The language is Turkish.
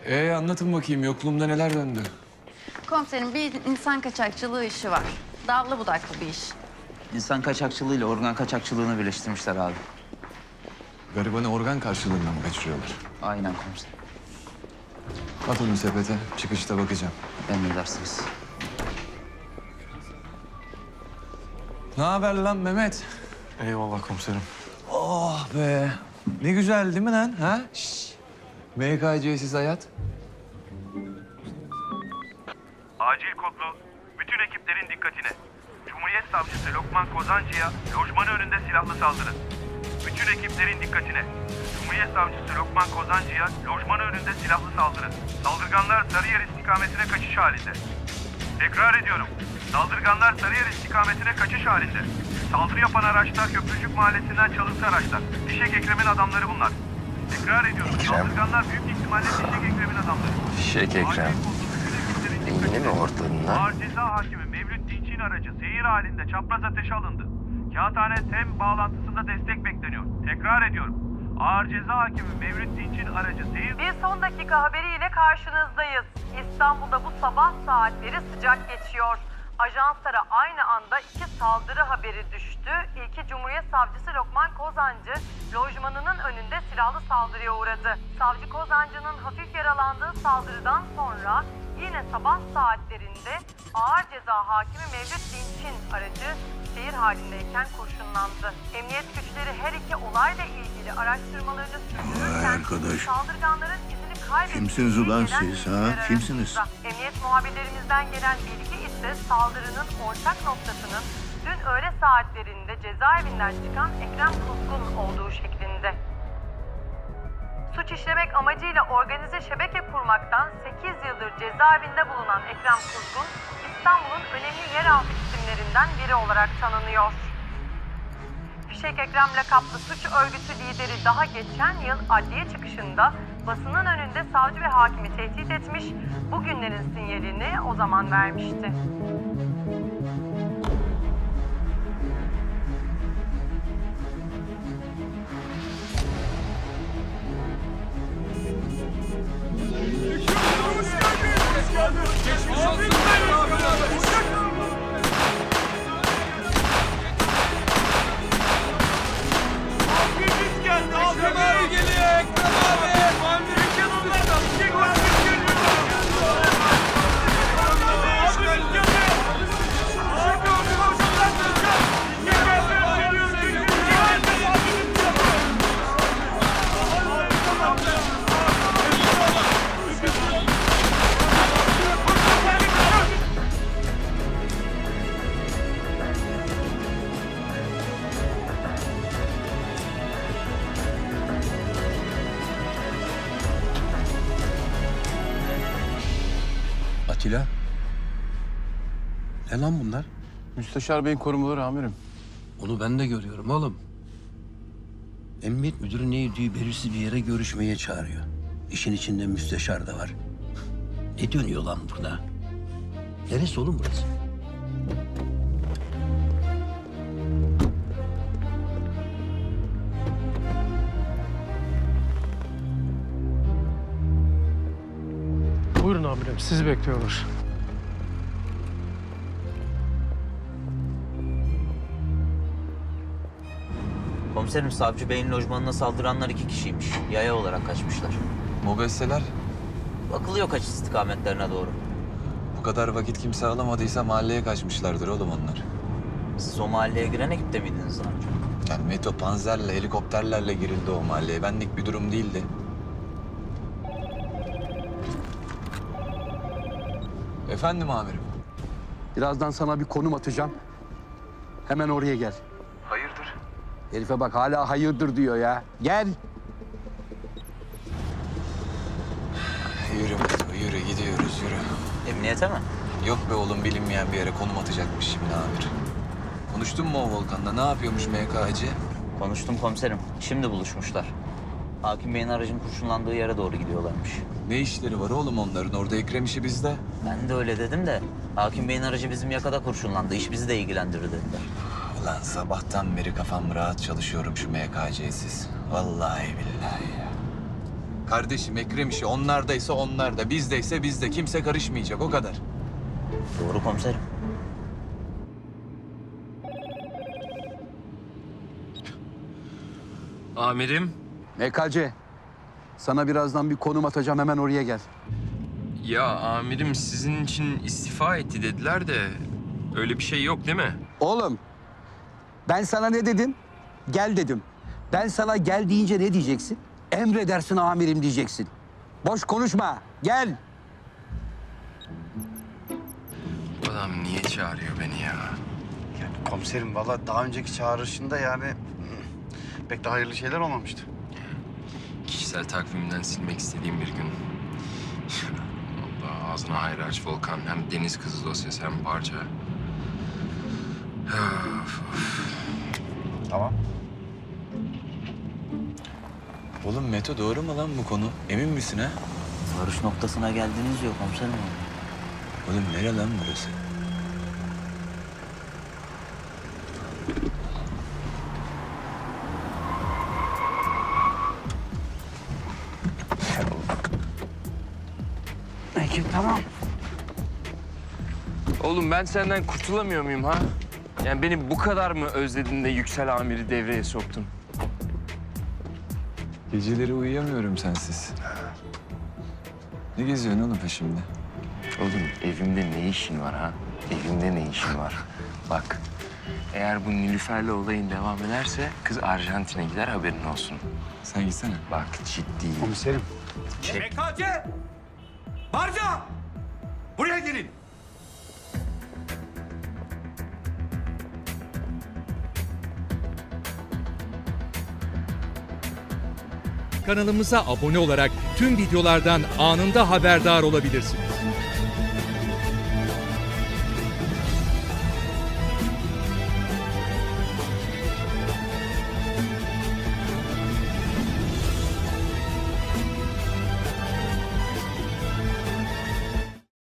Anlatın bakayım yokluğumda neler döndü? Komiserim bir insan kaçakçılığı işi var. Dallı budaklı bir iş. İnsan kaçakçılığıyla organ kaçakçılığını birleştirmişler abi. Garibanı organ karşılığında mı kaçırıyorlar? Aynen komiserim. At onu sepete, çıkışta bakacağım. Emredersiniz. Ne haber lan Mehmet? Eyvallah komiserim. Oh be. Ne güzel değil mi lan? Ha? Şşş. MKC'siz hayat. Acil kodlu, bütün ekiplerin dikkatine. Cumhuriyet Savcısı Lokman Kozancı'ya lojmanı önünde silahlı saldırı. Bütün ekiplerin dikkatine. Cumhuriyet Savcısı Lokman Kozancı'ya lojmanı önünde silahlı saldırı. Saldırganlar Sarıyer istikametine kaçış halinde. Tekrar ediyorum. Saldırganlar Sarıyer istikametine kaçış halinde. Saldırı yapan araçlar Köprücük Mahallesi'nden çalıntı araçlar. Fişek Ekrem'in adamları bunlar. Tekrar ediyorum. Saldırganlar büyük ihtimalle Fişek Ekrem'in adamları. Fişek Ekrem. Yine mi ortadın lan? Ağır Ceza Hakimi Mevlüt Dinç'in aracı seyir halinde çapraz ateşe alındı. Kağıthane TEM bağlantısında destek bekleniyor. Tekrar ediyorum. Ağır Ceza Hakimi Mevlüt Dinç'in aracı seyir... Bir son dakika haberiyle karşınızdayız. İstanbul'da bu sabah saatleri sıcak geçiyor. Ajanslara aynı anda 2 saldırı haberi düştü. İlki Cumhuriyet Savcısı Lokman Kozancı, lojmanının önünde silahlı saldırıya uğradı. Savcı Kozancı'nın hafif yaralandığı saldırıdan sonra yine sabah saatlerinde Ağır Ceza Hakimi Mevlüt Dinç'in aracı seyir halindeyken kurşunlandı. Emniyet güçleri her iki olayla ilgili araştırmalarını sürdürürken arkadaş. saldırganların izini kaybettiği Kimsiniz ulan gelen siz, ha? bilgiler Kimsiniz? arasında. Emniyet muhabirlerimizden gelen bilgi ise saldırının ortak noktasının dün öğle saatlerinde cezaevinden çıkan Ekrem Kuzgun olduğu şeklinde. Suç işlemek amacıyla organize şebeke kurmaktan 8 yıldır cezaevinde bulunan Ekrem Kuzgun, İstanbul'un önemli yeraltı isimlerinden biri olarak tanınıyor. Fişek Ekrem lakaplı suç örgütü lideri daha geçen yıl adliye çıkışında basının önünde savcı ve hakimi tehdit etmiş, bugünlerin sinyalini o zaman vermişti. Atilla. Ne lan bunlar? Müsteşar Bey'in korumaları amirim. Onu ben de görüyorum oğlum. Emniyet müdürü ne yediği belirsiz bir yere görüşmeye çağırıyor. İşin içinde müsteşar da var. Ne dönüyor lan burada? Neresi oğlum burası? Buyurun amirim, sizi bekliyorlar. Komiserim Savcı Bey'in lojmanına saldıranlar 2 kişiymiş. Yaya olarak kaçmışlar. Mobesseler. Bakılıyor kaç istikametlerine doğru. Bu kadar vakit kimse alamadıysa mahalleye kaçmışlardır oğlum onlar. Siz o mahalleye giren ekipte miydiniz daha önce? Yani Meto panzerle, helikopterlerle girildi o mahalleye. Benlik bir durum değildi. Efendim amirim. Birazdan sana bir konum atacağım. Hemen oraya gel. Hayırdır? Herife bak hala hayırdır diyor ya. Gel. Yürü Meto, yürü. Gidiyoruz, yürü. Emniyete mi? Yok be oğlum, bilinmeyen bir yere konum atacakmış şimdi amir. Konuştun mu o Volkan'la? Ne yapıyormuş MKC? Konuştum komiserim. Şimdi buluşmuşlar. Hakim Bey'in aracın kurşunlandığı yere doğru gidiyorlarmış. Ne işleri var oğlum onların? Orada Ekrem işi bizde. Ben de öyle dedim de Hakim Bey'in aracı bizim yakada kurşunlandı. İş bizi de ilgilendirir dediler. Ulan sabahtan beri kafam rahat çalışıyorum şu MKC'siz. Vallahi billahi ya. Kardeşim Ekrem işi onlardaysa onlarda, bizdeyse bizde. Kimse karışmayacak, o kadar. Doğru komiserim. Amirim. MKC, sana birazdan bir konum atacağım, hemen oraya gel. Ya amirim sizin için istifa etti dediler de öyle bir şey yok değil mi? Oğlum, ben sana ne dedim? Gel dedim. Ben sana gel deyince ne diyeceksin? Emredersin amirim diyeceksin. Boş konuşma, gel. Bu adam niye çağırıyor beni ya? Komiserim valla daha önceki çağrışında yani pek de hayırlı şeyler olmamıştı. Kişisel takvimden silmek istediğim bir gün. Allah ağzına hayır aç Volkan. Hem deniz kızı dosyası hem parça. Of, of. Tamam. Oğlum Meto doğru mu lan bu konu? Emin misin ha? Varış noktasına geldiniz diyor komiserim. Oğlum nere lan burası? Ekip tamam. Oğlum ben senden kurtulamıyor muyum ha? Yani beni bu kadar mı özledin de Yüksel amiri devreye soktun? Geceleri uyuyamıyorum sensiz. Ne geziyorsun oğlum peşimde? Oğlum evimde ne işin var ha? Evimde ne işin var? Bak, eğer bu Nilüfer'le olayın devam ederse kız Arjantin'e gider haberin olsun. Sen gitsene. Bak ciddiyim. Komiserim. MKC! Barca! Buraya gelin. Kanalımıza abone olarak tüm videolardan anında haberdar olabilirsiniz.